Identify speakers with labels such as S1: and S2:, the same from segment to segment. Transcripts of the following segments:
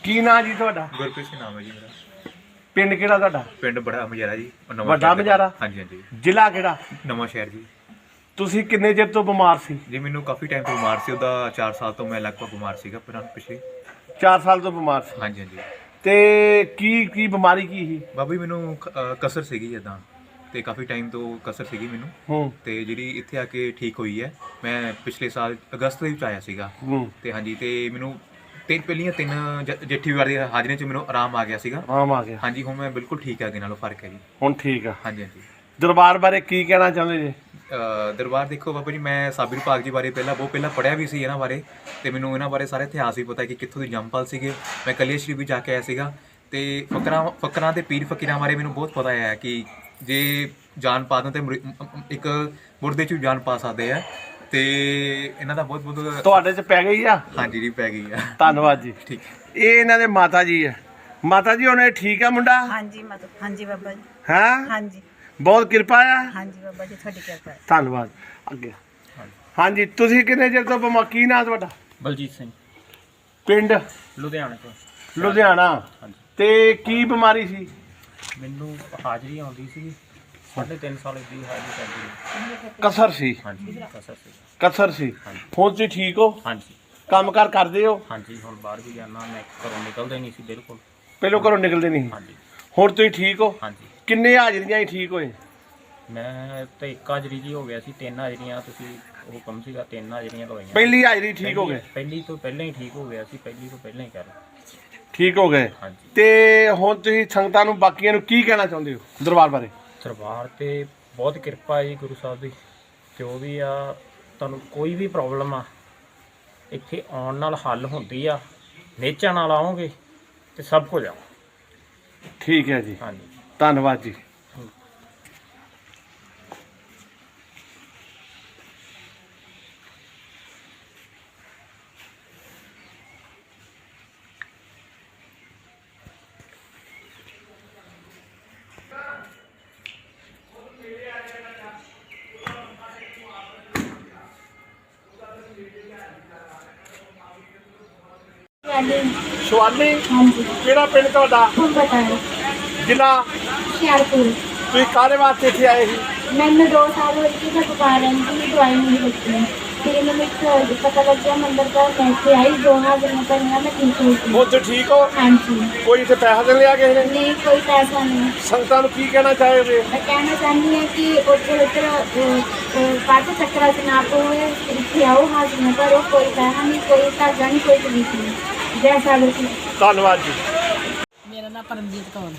S1: ਕੀ ਨਾਂ ਜੀ ਤੁਹਾਡਾ?
S2: ਗੁਰਪ੍ਰੀਤ ਸਿੰਘ ਨਾਮ ਹੈ ਜੀ ਮੇਰਾ।
S1: ਪਿੰਡ ਕਿਹੜਾ ਤੁਹਾਡਾ?
S2: ਪਿੰਡ ਬੜਾ ਮਜਾਰਾ ਜੀ।
S1: ਵੱਡਾ ਮਜਾਰਾ?
S2: ਹਾਂਜੀ ਹਾਂਜੀ।
S1: ਜ਼ਿਲ੍ਹਾ ਕਿਹੜਾ?
S2: ਨਵਾਂ ਸ਼ਹਿਰ ਜੀ।
S1: ਤੁਸੀਂ ਕਿੰਨੇ ਚਿਰ ਤੋਂ ਬਿਮਾਰ ਸੀ?
S2: ਜੀ ਮੈਨੂੰ ਕਾਫੀ ਟਾਈਮ ਤੋਂ ਬਿਮਾਰ ਸੀ। ਉਹਦਾ 4 ਸਾਲ ਤੋਂ ਮੈਂ ਲਗਭਗ ਬਿਮਾਰ ਸੀਗਾ ਪਿਛਲੇ।
S1: 4 ਸਾਲ ਤੋਂ ਬਿਮਾਰ ਸੀ?
S2: ਹਾਂਜੀ ਹਾਂਜੀ।
S1: ਤੇ ਕੀ ਬਿਮਾਰੀ ਕੀ ਸੀ?
S2: ਬਾਬਾ ਜੀ ਮੈਨੂੰ ਕਸਰ ਸੀਗੀ ਇੱਦਾਂ, ਤੇ ਕਾਫੀ ਟਾਈਮ ਤੋਂ ਕਸਰ ਸੀਗੀ ਮੈਨੂੰ, ਤੇ ਜਿਹੜੀ ਇੱਥੇ ਆ ਕੇ ਠੀਕ ਹੋਈ ਹੈ। ਮੈਂ ਪਿਛਲੇ ਸਾਲ ਅਗਸਤ ਦੇ ਵਿੱਚ ਆਇਆ ਸੀਗਾ, ਤੇ ਹਾਂਜੀ, ਤੇ ਮੈਨੂੰ ਪਹਿਲੀਆਂ 3 ਜੇਠੀ ਵਾਰ ਦੀ ਹਾਜ਼ਰੀ 'ਚ ਮੈਨੂੰ ਆਰਾਮ ਆ ਗਿਆ ਸੀਗਾ।
S1: ਆਰਾਮ ਆ ਗਿਆ?
S2: ਹਾਂਜੀ, ਹੁਣ ਮੈਂ ਬਿਲਕੁਲ ਠੀਕ ਆ, ਅੱਗੇ ਨਾਲੋਂ ਫਰਕ ਹੈ ਜੀ।
S1: ਹੁਣ ਠੀਕ ਆ?
S2: ਹਾਂਜੀ ਹਾਂਜੀ।
S1: ਦਰਬਾਰ ਬਾਰੇ ਕੀ ਕਹਿਣਾ ਚਾਹੁੰਦੇ ਜੀ?
S2: ਦਰਬਾਰ ਦੇਖੋ ਬਾਬਾ ਜੀ, ਮੈਂ ਸਾਬਰ ਭਾਗ ਜੀ ਬਾਰੇ ਬਹੁਤ ਪਹਿਲਾਂ ਪੜ੍ਹਿਆ ਵੀ ਸੀ ਇਹਨਾਂ ਬਾਰੇ, ਤੇ ਮੈਨੂੰ ਇਹਨਾਂ ਬਾਰੇ ਸਾਰਾ ਇਤਿਹਾਸ ਵੀ ਪਤਾ ਕਿ ਕਿੱਥੋਂ ਦੇ ਜੰਮਪਲ ਸੀਗੇ। ਮੈਂ ਕਲੀਆ ਸ਼ਰੀਫ ਵੀ ਜਾ ਕੇ ਆਇਆ ਸੀਗਾ, ਤੇ ਫਕਰਾਂ ਤੇ ਪੀਰ ਫਕੀਰਾਂ ਬਾਰੇ ਮੈਨੂੰ ਬਹੁਤ ਪਤਾ ਹੈ ਕਿ ਜੇ ਜਾਨ ਪਾ ਦੇਣ ਤੇ ਇੱਕ ਮੁਰਦੇ 'ਚ ਵੀ ਜਾਨ ਪਾ ਸਕਦੇ ਆ, ਤੇ ਇਹਨਾਂ ਦਾ ਬਹੁਤ ਬਹੁਤ
S1: ਤੁਹਾਡੇ 'ਚ ਪੈ ਗਈ ਆ?
S2: ਹਾਂਜੀ ਜੀ, ਪੈ ਗਈ ਆ।
S1: ਧੰਨਵਾਦ ਜੀ।
S2: ਠੀਕ।
S1: ਇਹ ਇਹਨਾਂ ਦੇ ਮਾਤਾ ਜੀ ਹੈ। ਮਾਤਾ ਜੀ ਉਹਨੇ ਠੀਕ ਆ ਮੁੰਡਾ?
S3: ਹਾਂਜੀ ਹਾਂਜੀ ਬਾਬਾ ਜੀ।
S1: ਹਾਂ
S3: ਹਾਂਜੀ
S1: ਬਹੁਤ ਕਿਰਪਾ ਆ?
S3: ਹਾਂਜੀ ਬਾਬਾ ਜੀ, ਤੁਹਾਡੀ ਕਿਰਪਾ ਹੈ।
S1: ਧੰਨਵਾਦ। ਅੱਗੇ ਹਾਂਜੀ, ਤੁਸੀਂ ਕਿੰਨੇ ਚਿਰ ਤੋਂ ਬਿਮਾਰ? ਕੀ ਨਾਂ ਤੁਹਾਡਾ?
S4: ਬਲਜੀਤ ਸਿੰਘ,
S1: ਪਿੰਡ?
S4: ਲੁਧਿਆਣੇ ਤੋਂ।
S1: ਲੁਧਿਆਣਾ।
S4: ਹਾਂਜੀ।
S1: ਤੇ ਕੀ ਬਿਮਾਰੀ ਸੀ?
S4: ਮੈਨੂੰ ਹਾਜ਼ਰੀ ਆਉਂਦੀ ਸੀ 3.5 ਸਾਲ ਦੀ ਹਾਜ਼ਰੀ ਕਰਦੀ।
S1: ਕਸਰ ਸੀ?
S4: ਹਾਂਜੀ, ਕਸਰ ਸੀ।
S1: ਕਸਰ ਸੀ। ਹੁਣ ਤੁਸੀਂ ਠੀਕ ਹੋ?
S4: ਹਾਂਜੀ।
S1: ਕੰਮਕਾਰ ਕਰਦੇ ਹੋ?
S4: ਹਾਂਜੀ, ਹੁਣ ਬਾਹਰ ਵੀ ਜਾਣਾ, ਮੈਂ ਘਰੋਂ ਨਿਕਲਦਾ ਹੀ ਨਹੀਂ ਸੀ ਬਿਲਕੁਲ।
S1: ਪਹਿਲੋਂ ਘਰੋਂ ਨਿਕਲਦੇ ਨਹੀਂ?
S4: ਹਾਂਜੀ।
S1: ਹੁਣ ਤੁਸੀਂ ਠੀਕ ਹੋ?
S4: ਹਾਂਜੀ।
S1: ਕਿੰਨੇ ਹਾਜ਼ਰੀਆਂ ਹੀ ਠੀਕ ਹੋਏ?
S4: ਮੈਂ ਤੇ 1 ਹਾਜ਼ਰੀ ਜੀ ਹੋ ਗਿਆ ਸੀ, 3 ਹਾਜ਼ਰੀਆਂ ਤੁਸੀਂ ਹੁਕਮ ਸੀਗਾ, 3 ਹਾਜ਼ਰੀਆਂ ਲਵਾਈਆਂ।
S1: ਪਹਿਲੀ ਹਾਜ਼ਰੀ ਠੀਕ ਹੋ ਗਏ?
S4: ਪਹਿਲੀ ਤੋਂ ਪਹਿਲਾਂ ਹੀ ਠੀਕ ਹੋ ਗਿਆ ਸੀ, ਪਹਿਲੀ ਤੋਂ ਪਹਿਲਾਂ ਹੀ ਕਰ
S1: ਠੀਕ ਹੋ ਗਏ?
S4: ਹਾਂਜੀ।
S1: ਤੇ ਹੁਣ ਤੁਸੀਂ ਸੰਗਤਾਂ ਨੂੰ, ਬਾਕੀਆਂ ਨੂੰ ਕੀ ਕਹਿਣਾ ਚਾਹੁੰਦੇ ਹੋ ਦਰਬਾਰ ਬਾਰੇ?
S4: ਦਰਬਾਰ ਤੇ ਬਹੁਤ ਕਿਰਪਾ ਹੈ ਜੀ ਗੁਰੂ ਸਾਹਿਬ ਦੀ। ਜੋ ਵੀ ਆ, ਤੁਹਾਨੂੰ ਕੋਈ ਵੀ ਪ੍ਰੋਬਲਮ ਆ ਇੱਥੇ ਆਉਣ ਨਾਲ ਹੱਲ ਹੁੰਦੀ ਆ। ਨੇਚਾ ਨਾਲ ਆਓਗੇ ਤੇ ਸਭ ਕੁਝ ਆ।
S1: ਠੀਕ ਹੈ ਜੀ।
S4: ਹਾਂਜੀ,
S1: ਧੰਨਵਾਦ ਜੀ। ਸ਼ਿਵਾਲੀ?
S5: ਹਾਂਜੀ।
S1: ਕਿਹੜਾ ਪਿੰਡ ਤੁਹਾਡਾ?
S5: ਬਟਾਲੇ,
S1: ਜ਼ਿਲ੍ਹਾ?
S5: ਹੁਸ਼ਿਆਰਪੁਰ।
S1: ਤੁਸੀਂ ਕਾਹਦੇ ਵਾਸਤੇ ਇੱਥੇ ਆਏ ਸੀ?
S5: ਮੈਨੂੰ 2 ਸਾਲ ਹੋਏ ਸੀ ਮੈਂ ਬੁਖਾਰ ਰਹਿੰਦੀ ਸੀ, ਦਵਾਈ ਨਹੀਂ ਲਿੱਤੀ। ਫਿਰ ਮੈਨੂੰ ਇੱਕ ਪਤਾ ਲੱਗਿਆ ਮੰਦਰ ਦਾ, ਮੈਂ ਇੱਥੇ ਆਈ, 2 ਹਾਜ਼ਰੀਆਂ ਭਰੀਆਂ, ਮੈਂ ਠੀਕ ਹੋ ਗਈ।
S1: ਹੁਣ ਤੁਸੀਂ ਠੀਕ ਹੋ?
S5: ਹਾਂਜੀ।
S1: ਕੋਈ ਇੱਥੇ ਪੈਸਾ ਦੇਣ ਲਿਆ ਕਿਸੇ ਨੇ?
S5: ਨਹੀਂ, ਕੋਈ ਪੈਸਾ ਨਹੀਂ।
S1: ਸੰਗਤਾਂ ਨੂੰ ਕੀ ਕਹਿਣਾ ਚਾਹੋਗੇ?
S5: ਮੈਂ ਕਹਿਣਾ ਚਾਹੁੰਦੀ ਹਾਂ ਕਿ ਉੱਧਰ ਵੱਧ ਚੱਕਰਾਂ 'ਚ ਨਾ ਪਵੇ, ਇੱਥੇ ਆਓ, ਹਾਜ਼ਰੀਆਂ ਭਰੋ, ਕੋਈ ਪੈਸਾ ਨਹੀਂ, ਕੋਈ ਧਾਗਾ ਨਹੀਂ, ਕੋਈ ਤਕਲੀਫ ਨਹੀਂ। ਜੈ ਸਾਗਰ ਜੀ।
S1: ਧੰਨਵਾਦ ਜੀ।
S6: ਮੇਰਾ ਨਾਮ ਪਰਮਜੀਤ ਕੌਰ।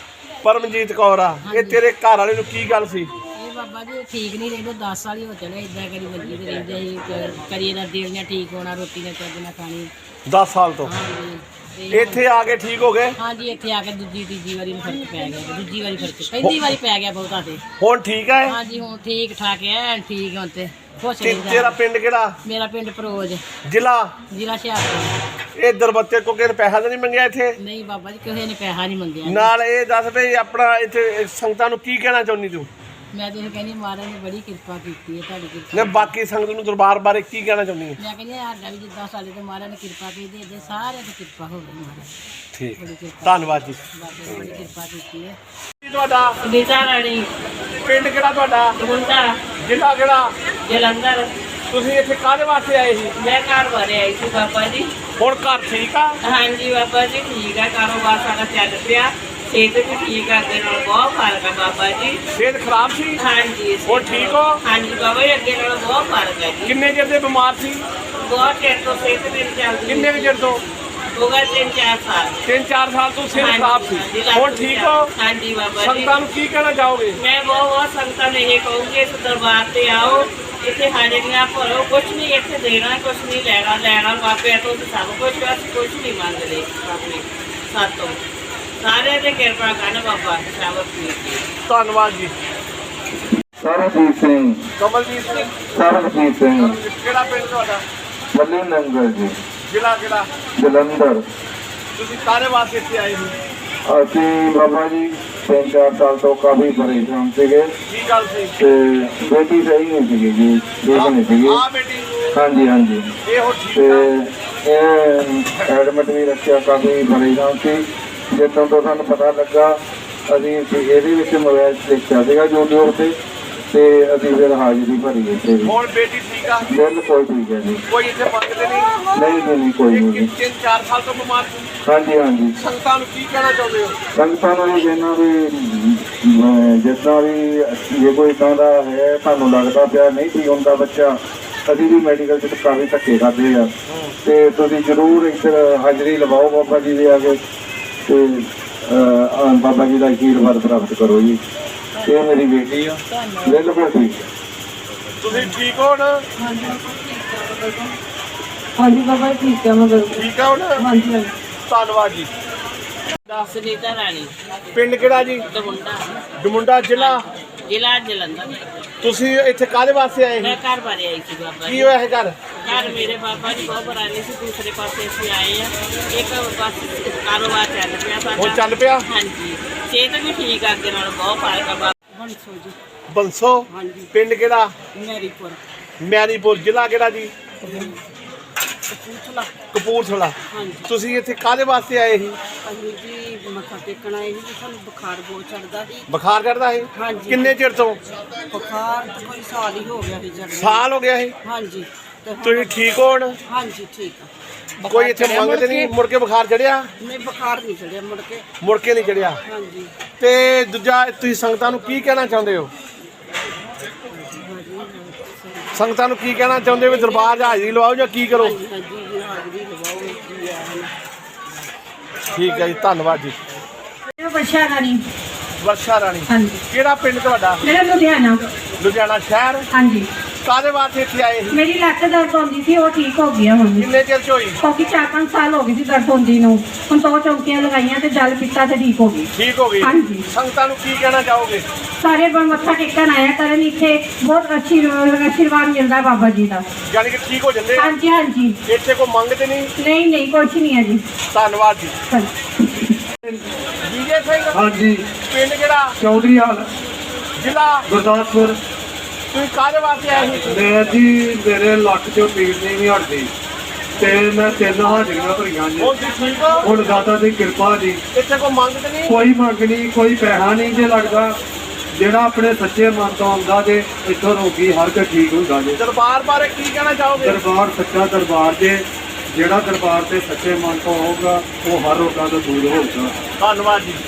S1: ਪਰਮਜੀਤ ਕੌਰ ਆ। ਇਹ ਤੇਰੇ ਘਰ ਵਾਲੇ ਨੂੰ ਕੀ ਗੱਲ ਸੀ?
S6: ਇਹ ਬਾਬਾ ਜੀ ਠੀਕ ਨਹੀਂ ਰਹਿੰਦੇ, 10 ਸਾਲ ਹੀ ਹੋ ਚਲੇ ਇਦਾਂ ਕਰੀ ਮੰਜੀ ਤੇ ਰਹਿੰਦੇ ਸੀ। ਕਰੀ ਨਾ ਦਿਲ ਨਾਲ ਠੀਕ ਹੋਣਾ, ਰੋਟੀ ਨਾ ਚੱਜ ਨਾਲ ਖਾਣੀ।
S1: 10 ਸਾਲ ਤੋਂ?
S6: ਹਾਂਜੀ। ਤੇ
S1: ਇੱਥੇ ਆ ਕੇ ਠੀਕ ਹੋ ਗਏ?
S6: ਹਾਂਜੀ, ਇੱਥੇ ਆ ਕੇ ਦੂਜੀ ਤੀਜੀ ਵਾਰੀ ਨੂੰ ਫਰਕ ਪੈ ਗਿਆ। ਦੂਜੀ ਵਾਰੀ ਫਰਕ, ਪਹਿਲੀ ਵਾਰੀ ਪੈ ਗਿਆ ਬਹੁਤਾ ਤੇ।
S1: ਹੁਣ ਠੀਕ ਹੈ?
S6: ਹਾਂਜੀ, ਹੁਣ ਠੀਕ ਠਾਕ ਐ, ਠੀਕ ਹੁਣ ਤੇ ਖੁਸ਼
S1: ਤੇਰਾ
S6: ਰਹਿੰਦਾ।
S1: ਪਿੰਡ ਕਿਹੜਾ?
S6: ਮੇਰਾ ਪਿੰਡ ਪਰੋਜ,
S1: ਜ਼ਿਲ੍ਹਾ?
S6: ਜ਼ਿਲ੍ਹਾ ਹੁਸ਼ਿਆਰਪੁਰ।
S1: ਇੱਧਰ ਬੱਚੇ ਕੋ ਕਿਸੇ ਨੇ ਪੈਸਾ ਤਾਂ ਨਹੀਂ ਮੰਗਿਆ ਇੱਥੇ?
S6: ਨਹੀਂ ਬਾਬਾ ਜੀ, ਕਿਸੇ ਨੇ ਪੈਸਾ ਨਹੀਂ ਮੰਗਿਆ।
S1: ਨਾਲ ਇਹ ਦੱਸ ਵੀ ਆਪਣਾ ਇੱਥੇ ਸੰਗਤਾਂ ਨੂੰ ਕੀ ਕਹਿਣਾ ਚਾਹੁੰਦੀ ਤੂੰ?
S6: ਮੈਂ ਤਾਂ ਇਹ ਕਹਿੰਦੀ ਮਹਾਰਾਜ ਨੇ ਬੜੀ ਕਿਰਪਾ ਕੀਤੀ ਹੈ, ਤੁਹਾਡੀ ਕਿਰਪਾ।
S1: ਨੇ ਬਾਕੀ ਸੰਗਤ ਨੂੰ ਦਰਬਾਰ ਬਾਰੇ ਕੀ ਕਹਿਣਾ ਚਾਹੁੰਦੀ ਹੈ?
S6: ਮੈਂ ਕਹਿੰਦੀ ਸਾਡਾ ਵੀ ਜਿੱਦਾਂ ਸਾਡੇ ਤੇ ਮਹਾਰਾਜ ਨੇ ਕਿਰਪਾ ਕੀਤੀ, ਇੱਦਾਂ ਸਾਰਿਆਂ ਦੀ ਕਿਰਪਾ ਹੋਵੇ ਮਹਾਰਾਜ।
S1: ਠੀਕ,
S6: ਬੜੀ ਕਿਰਪਾ,
S1: ਧੰਨਵਾਦ ਜੀ।
S6: ਬਾਬੇ ਨੇ ਬੜੀ ਕਿਰਪਾ ਕੀਤੀ ਹੈ।
S1: ਤੁਹਾਡਾ
S6: ਨੀਤਾ ਰਾਣੀ,
S1: ਪਿੰਡ ਕਿਹੜਾ ਤੁਹਾਡਾ?
S6: ਮੁੰਡਾ
S1: ਜ਼ਿਲ੍ਹਾ ਕਿਹੜਾ?
S6: ਜਲੰਧਰ।
S1: ਤੁਸੀਂ ਇੱਥੇ ਕਾਹਦੇ ਵਾਸਤੇ ਆਏ ਸੀ?
S6: ਮੈਂ ਘਰ ਬਾਰੇ ਆਈ ਸੀ ਬਾਬਾ ਜੀ।
S1: ਹੁਣ ਘਰ ਠੀਕ ਆ?
S6: ਹਾਂਜੀ ਬਾਬਾ ਜੀ, ਠੀਕ ਹੈ, ਕਾਰੋਬਾਰ ਸਾਡਾ ਚੱਲ ਪਿਆ, ਸਿਹਤ ਵੀ ਠੀਕ ਹੈ, ਅੱਗੇ ਨਾਲ ਬਹੁਤ ਫਰਕ ਹੈ ਬਾਬਾ ਜੀ।
S1: ਸਿਹਤ ਖਰਾਬ ਸੀ?
S6: ਹਾਂਜੀ।
S1: ਹੁਣ ਠੀਕ ਹੋ?
S6: ਹਾਂਜੀ ਬਾਬਾ ਜੀ, ਅੱਗੇ ਨਾਲ ਬਹੁਤ ਫਰਕ ਹੈ ਜੀ।
S1: ਕਿੰਨੇ ਚਿਰ ਦੇ ਬਿਮਾਰ ਸੀ?
S6: ਬਹੁਤ ਚਿਰ ਤੋਂ ਸਿਹਤ ਮੇਰੀ ਚੱਲਦੀ।
S1: ਕਿੰਨੇ ਕੁ ਚਿਰ ਤੋਂ?
S6: ਹੋ ਗਏ 3-4 ਸਾਲ।
S1: 3-4 ਸਾਲ ਤੋਂ ਸਿਹਤ ਖਰਾਬ ਸੀ। ਹੁਣ ਠੀਕ ਹੋ?
S6: ਹਾਂਜੀ ਬਾਬਾ ਜੀ।
S1: ਸੰਗਤਾਂ ਨੂੰ ਕੀ ਕਹਿਣਾ ਚਾਹੋਗੇ?
S6: ਮੈਂ ਬਹੁਤ ਸੰਗਤਾਂ ਨੇ ਇਹ ਕਹੂੰਗੀ, ਇਸ ਦਰਬਾਰ ਤੇ ਆਓ, ਇੱਥੇ ਹਾਜ਼ਰੀਆਂ ਭਰੋ, ਕੁਛ ਨਹੀਂ ਇੱਥੇ ਦੇਣਾ, ਕੁਛ ਨਹੀਂ ਲੈਣਾ ਬਾਬੇ ਤੋਂ ਸਭ ਕੁਛ, ਅਸੀਂ ਕੁਛ ਨਹੀਂ ਮੰਗਦੇ ਆਪਣੇ ਸਾਤੋਂ। ਸਾਰਿਆਂ ਤੇ ਕਿਰਪਾ ਕਰਨ ਬਾਬਾ, ਸ਼ਾਬਾਸ਼ ਜੀ।
S1: ਧੰਨਵਾਦ ਜੀ।
S7: ਸਰਬਜੀਤ ਸਿੰਘ।
S1: ਕਮਲਜੀਤ ਸਿੰਘ?
S7: ਸਰਬਜੀਤ ਸਿੰਘ।
S1: ਕਿਹੜਾ ਪਿੰਡ ਤੁਹਾਡਾ?
S7: ਬੱਲੀ ਨੰਗਲ ਜੀ।
S1: ਜ਼ਿਲ੍ਹਾ ਕਿਹੜਾ?
S7: ਜਲੰਧਰ।
S1: ਤੁਸੀਂ ਕਾਹਦੇ ਵਾਸਤੇ ਇੱਥੇ ਆਏ ਸੀ?
S7: ਅਸੀਂ ਬਾਬਾ ਜੀ 3-4 ਸਾਲ ਤੋਂ ਕਾਫੀ ਪਰੇਸ਼ਾਨ ਸੀਗੇ,
S1: ਕੀ ਗੱਲ ਸੀ?
S7: ਤੇ ਬੇਟੀ ਸਹੀ ਨਹੀਂ ਸੀਗੀ ਜੀ, ਠੀਕ ਨਹੀਂ ਸੀਗੀ।
S1: ਆ ਬੇਟੀ?
S7: ਹਾਂਜੀ ਹਾਂਜੀ।
S1: ਇਹ ਹੁਣ ਠੀਕ
S7: ਤੇ
S1: ਆ?
S7: ਇਹ ਐਡਮਿਟ ਵੀ ਰੱਖਿਆ, ਕਾਫੀ ਪਰੇਸ਼ਾਨ ਸੀ। ਜਦੋਂ ਤੋਂ ਸਾਨੂੰ ਪਤਾ ਲੱਗਾ ਅਸੀਂ ਇਹਦੇ ਵਿੱਚ ਮੋਬਾਈਲ ਦੇਖਿਆ ਸੀਗਾ YouTube ਤੇ ਅਸੀਂ ਫਿਰ ਹਾਜ਼ਰੀ ਭਰੀ ਇੱਥੇ ਵੀ।
S1: ਹੁਣ ਬੇਟੀ ਠੀਕ ਆ?
S7: ਬਿਲਕੁਲ ਠੀਕ ਹੈ ਜੀ,
S1: ਕੋਈ ਇੱਥੇ ਮੰਗਦੇ ਨਹੀਂ?
S7: ਨਹੀਂ ਕੋਈ ਨਹੀਂ।
S1: 3-4 ਸਾਲ ਤੋਂ ਬਿਮਾਰ ਸੀ।
S7: ਹਾਂਜੀ
S1: ਸੰਗਤਾਂ ਨੂੰ ਕੀ ਕਹਿਣਾ ਚਾਹੁੰਦੇ ਹੋ?
S7: ਸੰਗਤਾਂ ਨੂੰ ਵੀ ਕਹਿਣਾ ਵੀ ਜਿੱਦਾਂ ਵੀ ਜੇ ਕੋਈ ਇੱਦਾਂ ਦਾ ਹੈ ਤੁਹਾਨੂੰ ਲੱਗਦਾ ਪਿਆ ਨਹੀਂ ਠੀਕ ਹੁੰਦਾ ਬੱਚਾ, ਅਸੀਂ ਵੀ ਮੈਡੀਕਲ 'ਚ ਕਾਫੀ ਧੱਕੇ ਕਰਦੇ ਆ, ਤੇ ਤੁਸੀਂ ਜ਼ਰੂਰ ਇੱਧਰ ਹਾਜ਼ਰੀ ਲਵਾਓ ਬਾਬਾ ਜੀ ਦੇ ਆ ਕੇ, ਤੇ ਬਾਬਾ ਜੀ ਦਾ ਆਸ਼ੀਰਵਾਦ ਪ੍ਰਾਪਤ ਕਰੋ ਜੀ। ਇਹ ਮੇਰੀ ਬੇਟੀ ਆ, ਬਿਲਕੁਲ ਠੀਕ।
S1: ਤੁਸੀਂ ਠੀਕ ਹੋ ਨਾ?
S5: ਹਾਂਜੀ ਬਾਬਾ ਠੀਕ ਹੈ ਮੈਂ
S1: ਠੀਕ ਆ ਹੁਣ?
S5: ਹਾਂਜੀ
S1: ਧੰਨਵਾਦ ਜੀ।
S6: ਸੁਨੀਤਾ ਰਾਣੀ,
S1: ਪਿੰਡ ਕਿਹੜਾ ਜੀ?
S6: ਦਮੁੰਡਾ,
S1: ਡਮੁੰਡਾ ਜ਼ਿਲ੍ਹਾ।
S6: ਜ਼ਿਲ੍ਹਾ ਜਲੰਧਰ।
S1: ਤੁਸੀਂ ਇੱਥੇ ਕਾਹਦੇ ਵਾਸਤੇ ਆਏ
S6: ਮੈਂ
S1: ਸੀ?
S6: ਘਰ ਬਾਰੇ ਆਈ ਸੀ ਬਾਬਾ
S1: ਕੀ
S6: ਜੀ।
S1: ਹੋਇਆ ਹੈ ਘਰ?
S6: ਘਰ ਮੇਰੇ ਬਾਬਾ ਜੀ ਬਹੁਤ ਪੁਰਾਣੇ ਸੀ, ਦੂਸਰੇ ਪਾਸੇ ਅਸੀਂ ਆਏ ਆ। ਇੱਕ ਬਸ ਕਾਰੋਬਾਰ ਚੱਲ ਪਿਆ ਸਾਡਾ।
S1: ਹੁਣ ਚੱਲ ਪਿਆ?
S6: ਹਾਂਜੀ, ਸਿਹਤ ਵੀ ਠੀਕ ਆ, ਅੱਗੇ ਨਾਲੋਂ ਬਹੁਤ ਫਰਕ ਆ ਬਾਬਾ। ਬੰਸੋ ਜੀ।
S1: ਬੰਸੋ?
S6: ਹਾਂਜੀ।
S1: ਪਿੰਡ ਕਿਹੜਾ?
S6: ਮੈਰੀਪੁਰ।
S1: ਮੈਰੀਪੁਰ। ਜ਼ਿਲ੍ਹਾ ਕਿਹੜਾ ਜੀ?
S6: ਕਪੂਰਥਲਾ।
S1: ਕਪੂਰਥਲਾ।
S6: ਹਾਂਜੀ।
S1: ਤੁਸੀਂ ਇੱਥੇ ਕਾਹਦੇ ਵਾਸਤੇ ਆਏ ਸੀ?
S6: ਅਸੀਂ ਜੀ ਮੱਥਾ ਟੇਕਣ ਆਏ ਸੀ, ਸਾਨੂੰ ਬੁਖਾਰ ਬਹੁਤ ਚੜਦਾ ਸੀ।
S1: ਬੁਖਾਰ ਚੜਦਾ ਸੀ?
S6: ਹਾਂਜੀ।
S1: ਕਿੰਨੇ ਚਿਰ ਤੋਂ?
S6: ਬੁਖਾਰ ਤਾਂ ਕੋਈ ਸਾਲ ਹੀ ਹੋ ਗਿਆ ਸੀ ਚੜ੍ਹਦਾ।
S1: ਸਾਲ ਹੋ ਗਿਆ ਸੀ?
S6: ਹਾਂਜੀ। ਤੇ ਹੁਣ-
S1: ਤੁਸੀਂ ਠੀਕ ਹੋ ਹੁਣ?
S6: ਹਾਂਜੀ ਠੀਕ ਆ।
S1: ਕੋਈ ਇੱਥੇ
S6: ਚੜ੍ਹਿਆ
S1: ਮੰਗਦੇ ਨਹੀਂ? ਮੁੜ ਕੇ ਬੁਖਾਰ ਚੜਿਆ?
S6: ਨਹੀਂ, ਬੁਖਾਰ ਨਹੀਂ ਚੜਿਆ ਮੁੜ ਕੇ।
S1: ਮੁੜ ਕੇ ਨਹੀਂ ਚੜਿਆ?
S6: ਹਾਂਜੀ।
S1: ਤੇ ਦੂਜਾ ਤੁਸੀਂ ਸੰਗਤਾਂ ਨੂੰ ਕੀ ਕਹਿਣਾ ਚਾਹੁੰਦੇ ਹੋ? ਸੰਗਤਾਂ ਨੂੰ ਕੀ ਕਹਿਣਾ ਚਾਹੁੰਦੇ ਹੋ ਵੀ ਦਰਬਾਰ 'ਚ ਹਾਜ਼ਰੀ ਲਵਾਓ ਜਾਂ ਕੀ ਕਰੋ?
S6: ਹਾਂਜੀ ਜੀ, ਹਾਜ਼ਰੀ ਲਵਾਓ ਜੀ ਆ।
S1: ਠੀਕ ਹੈ ਜੀ, ਧੰਨਵਾਦ ਜੀ।
S5: ਵਰਸ਼ਾ ਰਾਣੀ।
S1: ਵਰਸ਼ਾ ਰਾਣੀ।
S5: ਹਾਂਜੀ।
S1: ਕਿਹੜਾ ਪਿੰਡ ਤੁਹਾਡਾ?
S5: ਮੇਰਾ ਲੁਧਿਆਣਾ।
S1: ਲੁਧਿਆਣਾ ਸ਼ਹਿਰ।
S5: ਹਾਂਜੀ।
S1: ਕਾਹਦੇ ਵਾਸਤੇ ਇੱਥੇ ਆਏ ਸੀ?
S5: ਮੇਰੀ ਲੱਤ ਦਰਦ ਹੁੰਦੀ ਸੀ, ਉਹ ਠੀਕ ਹੋ ਗਿਆ ਹੁਣ।
S1: ਕਿੰਨੇ ਚਿਰ 'ਚ ਹੋਈ?
S5: ਕਿਉਂਕਿ 4-5 ਸਾਲ ਹੋ ਗਏ ਸੀ ਦਰਦ ਹੁੰਦੀ ਨੂੰ। ਹੁਣ 2 ਚੌਂਕੀਆਂ ਲਗਾਈਆਂ ਤੇ ਜਲ ਪੀਤਾ ਤੇ ਠੀਕ ਹੋ ਗਈ।
S1: ਠੀਕ ਹੋ ਗਈ?
S5: ਹਾਂਜੀ।
S1: ਸੰਗਤਾਂ ਨੂੰ ਕੀ ਕਹਿਣਾ ਚਾਹੋਗੇ?
S5: ਸਾਰੇ ਮੱਥਾ ਟੇਕਣ ਆਇਆ ਕਰਨ, ਇੱਥੇ ਬਹੁਤ ਅੱਛੀ ਆਸ਼ੀਰਵਾਦ ਮਿਲਦਾ ਬਾਬਾ ਜੀ ਦਾ।
S1: ਯਾਨੀ ਕਿ ਠੀਕ ਹੋ ਜਾਂਦੇ ਆ?
S5: ਹਾਂਜੀ ਹਾਂਜੀ।
S1: ਇੱਥੇ ਕੋਈ ਮੰਗਦੇ ਨਹੀਂ?
S5: ਨਹੀਂ ਕੁਛ ਨਹੀਂ ਹੈ ਜੀ।
S1: ਧੰਨਵਾਦ ਜੀ।
S5: ਹਾਂਜੀ।
S1: ਵਿਜੇ ਸਿੰਘ।
S7: ਹਾਂਜੀ।
S1: ਪਿੰਡ ਕਿਹੜਾ?
S7: ਚੌਧਰੀ ਹਾਲ,
S1: ਜ਼ਿਲ੍ਹਾ?
S7: ਗੁਰਦਾਸਪੁਰ।
S1: ਤੁਸੀਂ ਕਾਹਦੇ ਵਾਸਤੇ ਆਏ ਸੀ?
S7: ਮੈਂ ਜੀ ਮੇਰੇ ਲੱਕ 'ਚੋਂ ਪੀੜ ਨਹੀਂ ਹਟਦੀ, ਤੇ ਮੈਂ 3 ਹਾਜ਼ਰੀਆਂ ਭਰੀਆਂ ਜੀ।
S1: ਹੁਣ ਤੁਸੀਂ ਠੀਕ ਹੋ?
S7: ਹੁਣ ਦਾਤਾ ਦੀ ਕਿਰਪਾ ਜੀ,
S1: ਇੱਥੇ ਕੋਈ ਮੰਗਦੇ ਨਹੀਂ?
S7: ਕੋਈ ਮੰਗ ਨਹੀਂ, ਕੋਈ ਪੈਸਾ ਨਹੀਂ ਜੇ ਲੱਗਦਾ। ਜਿਹੜਾ ਆਪਣੇ ਸੱਚੇ ਮਨ ਤੋਂ ਆਉਂਦਾ ਜੇ ਇੱਥੋਂ ਰੋਗੀ ਹਰ ਕੋਈ ਠੀਕ ਹੁੰਦਾ ਜੇ।
S1: ਦਰਬਾਰ ਬਾਰੇ ਕੀ ਕਹਿਣਾ ਚਾਹੋਗੇ?
S7: ਦਰਬਾਰ ਸੱਚਾ ਦਰਬਾਰ ਜੇ, ਜਿਹੜਾ ਦਰਬਾਰ ਤੇ ਸੱਚੇ ਮਨ ਤੋਂ ਹੋਊਗਾ ਉਹ ਹਰ ਰੋਗਾਂ ਤੋਂ ਦੂਰ ਹੋਊਗਾ।
S1: ਧੰਨਵਾਦ ਜੀ।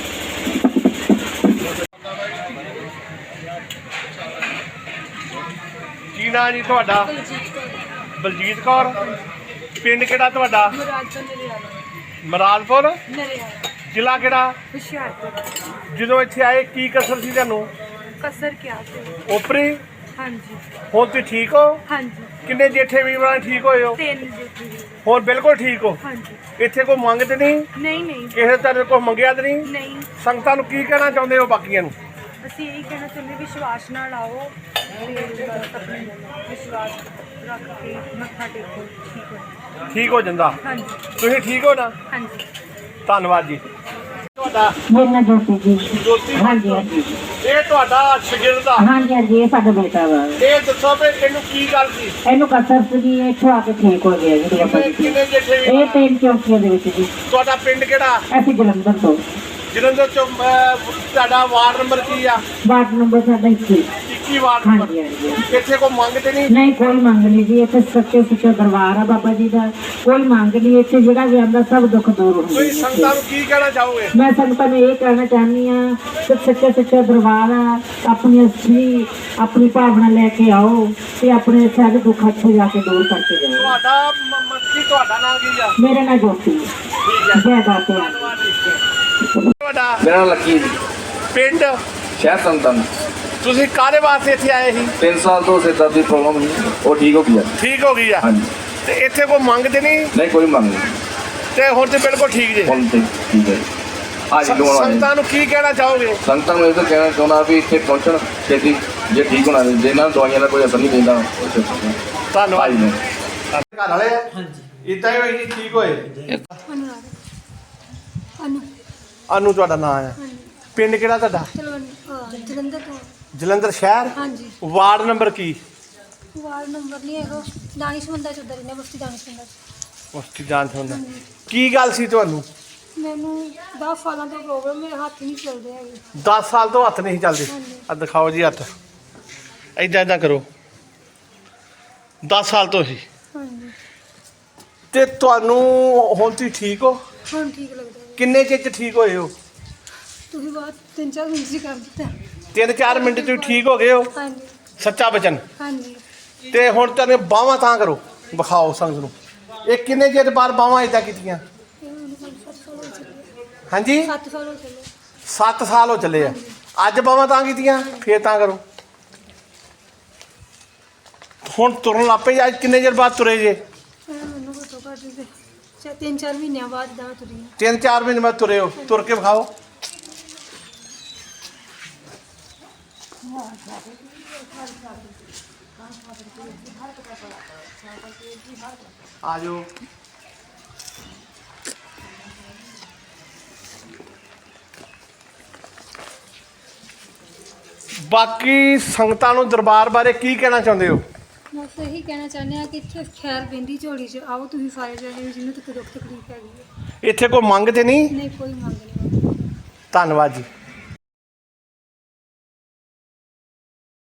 S1: ਕੀ ਨਾਂ ਜੀ ਤੁਹਾਡਾ? ਬਲਜੀਤ ਕੌਰ। ਪਿੰਡ ਕਿਹੜਾ ਤੁਹਾਡਾ? ਮਰਾਦਪੁਰ। ਜ਼ਿਲ੍ਹਾ ਕਿਹੜਾ?
S8: ਹੁਸ਼ਿਆਰਪੁਰ।
S1: ਜਦੋਂ ਇੱਥੇ ਆਏ ਕੀ ਕਸਰ ਸੀ ਤੁਹਾਨੂੰ?
S8: ਕਸਰ ਕਿਆ ਸੀ?
S1: ਓਪਰੀ?
S8: ਹਾਂਜੀ
S1: ਹੁਣ ਤੁਸੀਂ ਠੀਕ ਹੋ?
S8: ਹਾਂਜੀ।
S1: ਕਿੰਨੇ ਜੇਠੇ ਵੀਰਾਂ ਠੀਕ ਹੋਏ ਹੋ?
S8: 3 ਜੁੱਤੀ।
S1: ਹੁਣ ਬਿਲਕੁਲ ਠੀਕ ਹੋ?
S8: ਹਾਂਜੀ।
S1: ਇੱਥੇ ਕੋਈ ਮੰਗਦੇ ਨਹੀਂ?
S8: ਨਹੀਂ
S1: ਕਿਸੇ ਤਰ੍ਹਾਂ ਕੋਈ ਮੰਗਿਆ ਤੇ ਨਹੀਂ?
S8: ਨਹੀਂ।
S1: ਸੰਗਤਾਂ ਨੂੰ ਕੀ ਕਹਿਣਾ ਚਾਹੁੰਦੇ ਹੋ ਬਾਕੀਆਂ ਨੂੰ?
S8: ਅਸੀਂ ਇਹੀ ਕਹਿਣਾ ਚਾਹੁੰਦੇ ਵਿਸ਼ਵਾਸ ਨਾਲ ਆਓ ਤੇ ਬਸ ਆਪਣੇ ਵਿਸ਼ਵਾਸ ਰੱਖ ਕੇ ਮੱਥਾ ਟੇਕੋ, ਠੀਕ ਹੋ।
S1: ਠੀਕ ਹੋ ਜਾਂਦਾ?
S8: ਹਾਂਜੀ
S1: ਤੁਸੀਂ ਠੀਕ ਹੋ ਨਾ?
S8: ਹਾਂਜੀ।
S1: ਧੰਨਵਾਦ ਜੀ। ਤੁਹਾਡਾ?
S5: ਮੇਰਾ ਜੋਤੀ ਜੀ।
S1: ਜੋਤੀ?
S5: ਹਾਂਜੀ ਹਾਂਜੀ।
S1: ਇਹ ਤੁਹਾਡਾ ਸ਼ਾਗਿਰਦ ਆ?
S5: ਹਾਂਜੀ ਹਾਂਜੀ, ਇਹ ਸਾਡਾ ਬੇਟਾ ਵਾ।
S1: ਇਹ ਦੱਸੋ ਵੀ ਇਹਨੂੰ ਕੀ ਗੱਲ ਸੀ?
S5: ਇਹਨੂੰ ਕਸਰ ਸੀਗੀ, ਇੱਥੋਂ ਆ ਕੇ ਠੀਕ ਹੋ ਗਿਆ ਜੀ ਬਾਬਾ ਜੀ।
S1: ਕਿੰਨੇ ਜੇਠੇ
S5: ਇਹ
S1: ਵੀਰ?
S5: 3 ਚੌਂਕੀਆਂ ਦੇ ਵਿੱਚ ਜੀ।
S1: ਤੁਹਾਡਾ ਪਿੰਡ ਕਿਹੜਾ?
S5: ਅਸੀਂ ਜਲੰਧਰ ਤੋਂ।
S1: ਜਲੰਧਰ ਚੋਂ ਤੁਹਾਡਾ ਵਾਰਡ ਨੰਬਰ ਕੀ ਆ?
S5: ਵਾਰਡ ਨੰਬਰ ਸਾਡਾ 21।
S1: 21 ਵਾਰਡ ਨੰਬਰ।
S5: ਹਾਂਜੀ ਹਾਂਜੀ।
S1: ਇੱਥੇ ਕੋਈ ਮੰਗਦੇ ਨਹੀਂ?
S5: ਨਹੀਂ ਕੋਈ ਮੰਗ ਨਹੀਂ ਜੀ, ਇੱਥੇ ਸੱਚੇ ਸੁੱਚਾ ਦਰਬਾਰ ਆ ਬਾਬਾ ਜੀ ਦਾ। ਕੋਈ ਮੰਗ ਨਹੀਂ, ਇੱਥੇ ਜਿਹੜਾ ਵੀ ਆਉਂਦਾ ਸਭ ਦੁੱਖ ਦੂਰ ਹੁੰਦੇ
S1: ਤੁਸੀਂ ਸੰਗਤਾਂ ਨੂੰ ਕੀ ਕਹਿਣਾ ਚਾਹੋਗੇ?
S5: ਮੈਂ ਸੰਗਤਾਂ ਨੂੰ ਇਹ ਕਹਿਣਾ ਚਾਹੁੰਦੀ ਹਾਂ ਕਿ ਸੱਚਾ ਸੁੱਚਾ ਦਰਬਾਰ ਆ, ਆਪਣੀ ਅਸਲੀ ਆਪਣੀ ਭਾਵਨਾ ਲੈ ਕੇ ਆਓ ਤੇ ਆਪਣੇ ਸਾਰੇ ਦੁੱਖ ਇੱਥੇ ਜਾ ਕੇ ਦੂਰ ਕਰਕੇ ਜਾਓ।
S1: ਤੁਹਾਡਾ ਮੱਕੀ ਤੁਹਾਡਾ ਨਾਮ ਕੀ ਆ?
S5: ਮੇਰਾ ਨਾਂ ਜੋਤੀ।
S1: ਠੀਕ ਹੈ।
S5: ਜੈ ਦਾਤੇ।
S1: ਤੁਹਾਡਾ?
S9: ਮੇਰਾ ਲੱਕੀ ਜੀ,
S1: ਪਿੰਡ?
S9: ਸ਼ਹਿਰ ਸੰਤਨ।
S1: ਤੁਸੀਂ ਕਾਹਦੇ ਵਾਸਤੇ ਇੱਥੇ ਆਏ ਸੀ?
S9: 3 ਸਾਲ ਤੋਂ ਸਿਰ ਦਰਦ ਦੀ ਪ੍ਰੋਬਲਮ ਸੀ, ਉਹ ਠੀਕ ਹੋ ਗਈ ਆ।
S1: ਠੀਕ ਹੋ ਗਈ ਆ?
S9: ਹਾਂਜੀ।
S1: ਤੇ ਇੱਥੇ ਕੋਈ ਮੰਗਦੇ ਨਹੀਂ?
S9: ਨਹੀਂ ਕੋਈ ਮੰਗ ਨਹੀਂ,
S1: ਤੇ ਹੁਣ ਤੇ ਬਿਲਕੁਲ ਠੀਕ ਜੇ?
S9: ਹੁਣ ਤੇ ਠੀਕ ਹੈ। ਹਾਜ਼ਰੀ ਲਵਾਉਣ ਵਾਲੇ
S1: ਸੰਗਤਾਂ ਨੂੰ ਕੀ ਕਹਿਣਾ ਚਾਹੋਗੇ?
S9: ਸੰਗਤਾਂ ਨੂੰ ਇਹ ਤਾਂ ਕਹਿਣਾ ਚਾਹੁੰਦਾ ਵੀ ਇੱਥੇ ਪਹੁੰਚਣ ਛੇਤੀ, ਜੇ ਠੀਕ ਹੋਣਾ ਜੇ ਇਹਨਾਂ ਨੂੰ ਦਵਾਈਆਂ ਦਾ ਕੋਈ ਅਸਰ ਨਹੀਂ ਦਿੰਦਾ।
S1: ਧੰਨਵਾਦ।
S9: ਹਾਂਜੀ।
S1: ਘਰ ਵਾਲੇ? ਹਾਂਜੀ। ਇਦਾਂ ਹੀ ਹੋਈ ਜੀ, ਠੀਕ ਹੋਏ? ਅਨੂ ਤੁਹਾਡਾ ਨਾਮ ਹੈ? ਪਿੰਡ ਕਿਹੜਾ ਤੁਹਾਡਾ?
S8: ਜਲੰਧਰ ਤੋਂ।
S1: ਜਲੰਧਰ ਸ਼ਹਿਰ?
S8: ਹਾਂਜੀ।
S1: ਵਾਰਡ ਨੰਬਰ ਕੀ?
S8: ਵਾਰਡ ਨੰਬਰ ਨਹੀਂ ਹੈਗਾ, ਦਾਨਿਸ਼ਮੰਦਾ ਚ ਉਧਰ ਨੇ ਬਸਤੀ ਦਾਨਿਸ਼ਮੰਦਾ ਚ।
S1: ਉਸ ਦੀ ਜਾਨ ਸੁਣਦਾ ਕੀ ਗੱਲ ਸੀ ਤੁਹਾਨੂੰ?
S8: ਮੈਨੂੰ 10 ਸਾਲਾਂ ਤੋਂ ਪ੍ਰੋਬਲਮ, ਮੇਰੇ ਹੱਥ ਨਹੀਂ ਚੱਲਦੇ ਹੈਗੇ।
S1: 10 ਸਾਲ ਤੋਂ ਹੱਥ ਨਹੀਂ ਚੱਲਦੇ? ਆ ਦਿਖਾਓ ਜੀ ਹੱਥ, ਏਦਾਂ ਕਰੋ। 10 ਸਾਲ ਤੋਂ ਹੀ?
S8: ਹਾਂਜੀ।
S1: ਤੇ ਤੁਹਾਨੂੰ ਹੁਣ ਤੁਸੀਂ ਠੀਕ ਹੋ?
S8: ਹੁਣ ਠੀਕ ਲੱਗਦਾ ਹੈ।
S1: ਕਿੰਨੇ ਚਿਰ 'ਚ ਠੀਕ ਹੋਏ ਹੋ?
S8: ਤੁਸੀਂ ਬਾਅਦ 3-4 ਮਿੰਟ ਜੀ ਕਰ ਦਿੱਤਾ।
S1: 3-4 ਮਿੰਟ 'ਚ ਤੁਸੀਂ ਠੀਕ ਹੋ ਗਏ ਹੋ?
S8: ਹਾਂਜੀ
S1: ਸੱਚਾ ਬਚਨ?
S8: ਹਾਂਜੀ।
S1: ਤੇ ਹੁਣ ਤੁਹਾਨੂੰ ਬਾਹਾਂ ਤਾਂ ਕਰੋ, ਵਿਖਾਓ ਸੰਗਤ ਨੂੰ। ਇਹ ਕਿੰਨੇ ਚਿਰ ਬਾਅਦ ਬਾਹਾਂ ਏਦਾਂ ਕੀਤੀਆਂ?
S8: ਇਹ ਹੁਣ 7 ਸਾਲ ਹੋ ਚੱਲੇ।
S1: ਹਾਂਜੀ
S8: 7 ਸਾਲ ਹੋ ਚੱਲੇ।
S1: 7 ਸਾਲ ਹੋ ਚੱਲੇ ਆ। ਅੱਜ ਬਾਹਾਂ ਤਾਂ ਕੀਤੀਆਂ, ਫੇਰ ਤਾਂ ਕਰੋ। ਹੁਣ ਤੁਰਨ ਲੱਗ ਪਏ? ਅੱਜ ਕਿੰਨੇ ਚਿਰ ਬਾਅਦ ਤੁਰੇ ਜੇ?
S8: ਮੈਨੂੰ ਘੱਟੋ ਘੱਟ 3-4 ਮਹੀਨਿਆਂ ਬਾਅਦ ਦਾ ਤੁਰੀ।
S1: 3-4 ਮਹੀਨੇ ਬਾਅਦ ਤੁਰੇ ਹੋ? ਤੁਰ ਕੇ ਵਿਖਾਓ। ਆ ਜਾਓ। ਬਾਕੀ ਸੰਗਤਾਂ ਨੂੰ ਦਰਬਾਰ ਬਾਰੇ ਕੀ ਕਹਿਣਾ ਚਾਹੁੰਦੇ ਹੋ?
S8: ਬਸ ਇਹੀ ਕਹਿਣਾ ਚਾਹੁੰਦੇ ਆ ਕਿ ਇੱਥੇ ਖੈਰ ਬਿੰਦੀ ਝੋਲੀ 'ਚ ਆਓ ਤੁਸੀਂ ਸਾਰੇ ਜਣੇ, ਜਿਹਨੂੰ ਤੱਕ ਦੁੱਖ ਤਕਲੀਫ ਹੈਗੀ ਹੈ।
S1: ਇੱਥੇ ਕੋਈ ਮੰਗ ਤੇ ਨਹੀਂ?
S8: ਨਹੀਂ, ਕੋਈ ਮੰਗ ਨਹੀਂ।
S1: ਧੰਨਵਾਦ ਜੀ।